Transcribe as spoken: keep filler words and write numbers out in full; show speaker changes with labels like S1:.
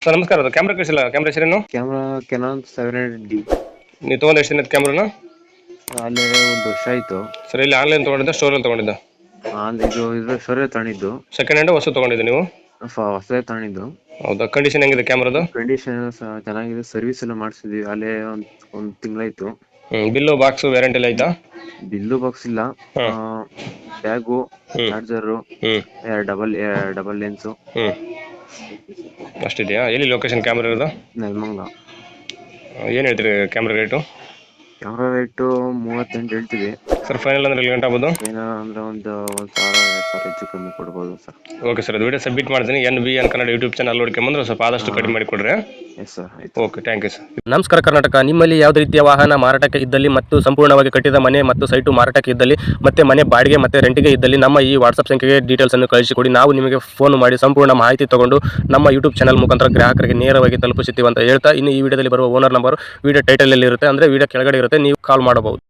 S1: Sir ನಮಸ್ಕಾರ, ಅದು camera ಕಳಿಸಿಲ್ಲ. ಕ್ಯಾಮ್ರಾ ಹೆಸರೇನು?
S2: Camera Canon seven hundred D.
S1: ನೀವು ತೊಗೊಂಡು ಎಷ್ಟು ದಿನ ಕ್ಯಾಮ್ರಾನ?
S2: ಅಲ್ಲೇ ಒಂದು ವರ್ಷ ಆಯ್ತು.
S1: ಸರ್ ಇಲ್ಲಿ ಆನ್ಲೈನ್ ತೊಗೊಂಡಿದ್ದ, ಸ್ಟೋರಲ್ಲಿ ತೊಗೊಂಡಿದ್ದ?
S2: ಅಲ್ಲಿ ಇದು ಇದು ಶೋರೇ ತಗೊಂಡಿದ್ದು.
S1: ಸೆಕೆಂಡ್ ಹ್ಯಾಂಡ್ ಹೊಸ ತೊಗೊಂಡಿದ್ದು ನೀವು?
S2: ಹೊಸದೇ ತಗೊಂಡಿದ್ದು.
S1: ಹೌದಾ? ಕಂಡೀಷನ್ ಹೆಂಗಿದೆ ಕ್ಯಾಮ್ರಾದು?
S2: ಕಂಡೀಷನ್ ಚೆನ್ನಾಗಿದೆ. ಸರ್ವಿಸ್ ಎಲ್ಲ ಮಾಡಿಸಿದ್ವಿ ಅಲ್ಲೇ ಒಂದ್ ಒಂದ್ ತಿಂಗಳಾಯ್ತು.
S1: ಹ್ಮ್ ಬಿಲ್ಲು ಬಾಕ್ಸ್ ವ್ಯಾರಂಟಿ ಎಲ್ಲ ಆಯ್ತಾ?
S2: ಬಿಲ್ಲು ಬಾಕ್ಸ್ ಇಲ್ಲ. ಬ್ಯಾಗು, ಚಾರ್ಜರು,
S1: ಹ್ಮ್
S2: ಡಬಲ್ ಡಬಲ್ ಲೆನ್ಸು
S1: ಹ್ಮ್ ಅಷ್ಟಿದೆಯಾ? ಎಲ್ಲಿ ಲೊಕೇಶನ್ ಕ್ಯಾಮ್ರಾ ಇರೋದು?
S2: ನೆಲಮಂಗಲ.
S1: ಏನು ಹೇಳ್ತೀರಿ ಕ್ಯಾಮ್ರಾ ರೇಟು?
S2: ಕ್ಯಾಮ್ರಾ ರೇಟು ಮೂವತ್ತೆಂಟು ಹೇಳ್ತೀವಿ
S1: ಸರ್. ಫೈನಲ್ ಅಂದ್ರೆ ಎಲ್ಲಿ ಗಂಟೆ ಆಗ್ಬೋದು?
S2: ಏನೋ ಅಂದ್ರೆ ಒಂದು ಒಂದ್ ಸಾವಿರ ಎರಡು ಸಾವಿರ ಹೆಚ್ಚು ಕಮ್ಮಿ ಕೊಡ್ಬೋದು ಸರ್.
S1: ಓಕೆ ಸರ್, ಅದು ವಿಡಿಯೋ ಸಬ್ಮಿಟ್ ಮಾಡ್ತೀನಿ. N B N Kannada YouTube channel ನೋಡ್ಕೊಂಬಂದ್ರೆ ಸ್ವಲ್ಪ ಆದಷ್ಟು ಕಡಿಮೆ ಮಾಡಿ ಕೊಡ್ರಿ.
S2: ಎಸ್ ಸರ್, ಆಯ್ತು.
S1: Okay, thank you sir.
S3: ನಮಸ್ಕಾರ ಕರ್ನಾಟಕ. ನಿಮ್ಮಲ್ಲಿ ಯಾವುದೇ ರೀತಿಯ ವಾಹನ ಮಾರಾಟಕ್ಕೆ ಇದ್ದಲ್ಲಿ ಮತ್ತು ಸಂಪೂರ್ಣವಾಗಿ ಕಟ್ಟಿದ ಮನೆ ಮತ್ತು ಸೈಟು ಮಾರಾಟಕ್ಕೆ ಇದ್ದಲ್ಲಿ ಮತ್ತೆ ಮನೆ ಬಾಡಿಗೆ ಮತ್ತು ರೆಂಟಿಗೆ ಇದ್ದಲ್ಲಿ ನಮ್ಮ ಈ ವಾಟ್ಸಪ್ ಸಂಖ್ಯೆಗೆ ಡೀಟೇಲ್ಸ್ ಅನ್ನು ಕಳಿಸಿಕೊಡಿ. ನಾವು ನಿಮಗೆ ಫೋನ್ ಮಾಡಿ ಸಂಪೂರ್ಣ ಮಾಹಿತಿ ತಗೊಂಡು ನಮ್ಮ ಯೂಟ್ಯೂಬ್ ಚಾನಲ್ ಮುಖಾಂತರ ಗ್ರಾಹಕರಿಗೆ ನೇರವಾಗಿ ತಲುಪಿಸುತ್ತೀವಿ ಅಂತ ಹೇಳ್ತಾ, ಇನ್ನು ಈ ವಿಡಿಯೋದಲ್ಲಿ ಬರುವ ಓನರ್ ನಂಬರ್ ವಿಡಿಯೋ ಟೈಟಲಲ್ಲಿ ಇರುತ್ತೆ, ಅಂದರೆ ವಿಡಿಯೋ ಕೆಳಗಡೆ ಇರುತ್ತೆ, ನೀವು ಕಾಲ್ ಮಾಡಬಹುದು.